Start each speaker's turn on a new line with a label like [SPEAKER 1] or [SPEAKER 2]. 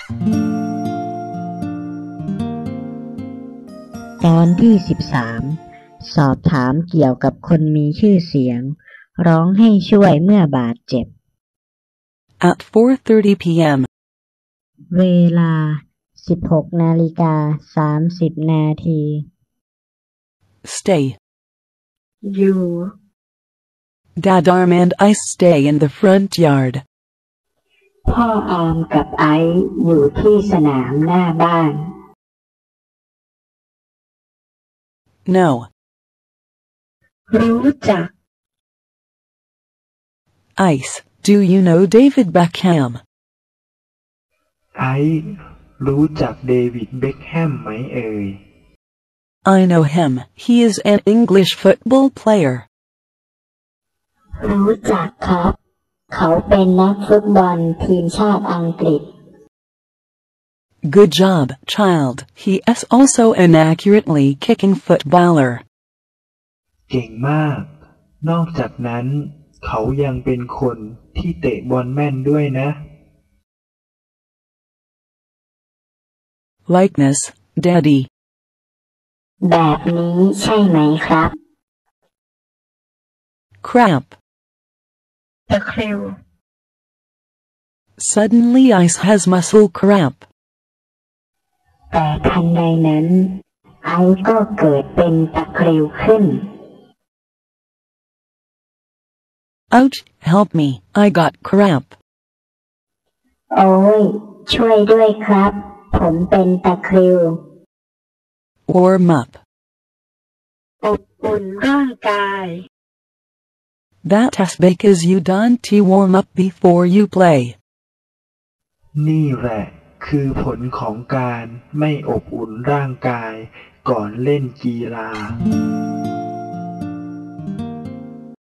[SPEAKER 1] ตอนที่13สอบถามเกี่ยวกับคนมีชื่อเสียงร้องให้ช่วยเมื่อบาดเจ็บ
[SPEAKER 2] At 4:30 p.m.
[SPEAKER 1] เวลา 16:30 นาที
[SPEAKER 2] Stay.
[SPEAKER 1] อยู่
[SPEAKER 2] Dad Arm and I stay in the front yard.
[SPEAKER 1] พ่ออามกับไอซ์อยู่ที่สนามหน้าบ้าน
[SPEAKER 2] No.
[SPEAKER 1] รู้จัก
[SPEAKER 2] Ice, do you know David Beckham?
[SPEAKER 3] ไอซ์รู้จักเดวิดเบ็คแฮมไหมเอ่ย
[SPEAKER 2] I know him. He is an English football player.
[SPEAKER 1] รู้จักครับเขาเป็นนักฟุตบอลทีมชาติอังกฤษ
[SPEAKER 2] Good job, child. He is also an accurately kicking footballer.
[SPEAKER 3] เก่งมาก นอกจากนั้นเขายังเป็นคนที่เตะบอลแม่นด้วยนะ
[SPEAKER 2] Likeness, Daddy.
[SPEAKER 1] แบบนี้ใช่ไหมครับ
[SPEAKER 2] Crap.
[SPEAKER 1] ตะคริว
[SPEAKER 2] Suddenly Ice has muscle cramp.
[SPEAKER 1] แต่ทันใดนั้นไอซ์ก็เกิดเป็นตะคริวขึ้น
[SPEAKER 2] Ouch, help me, I got cramp.
[SPEAKER 1] โอ้ยช่วยด้วยครับผมเป็นตะคริว
[SPEAKER 2] Warm up.
[SPEAKER 1] อบอุ่นร่างกาย
[SPEAKER 2] That is because you don't warm up before you play.
[SPEAKER 3] นี่แหละคือผลของการไม่อบอุ่นร่างกายก่อนเล่นกีฬา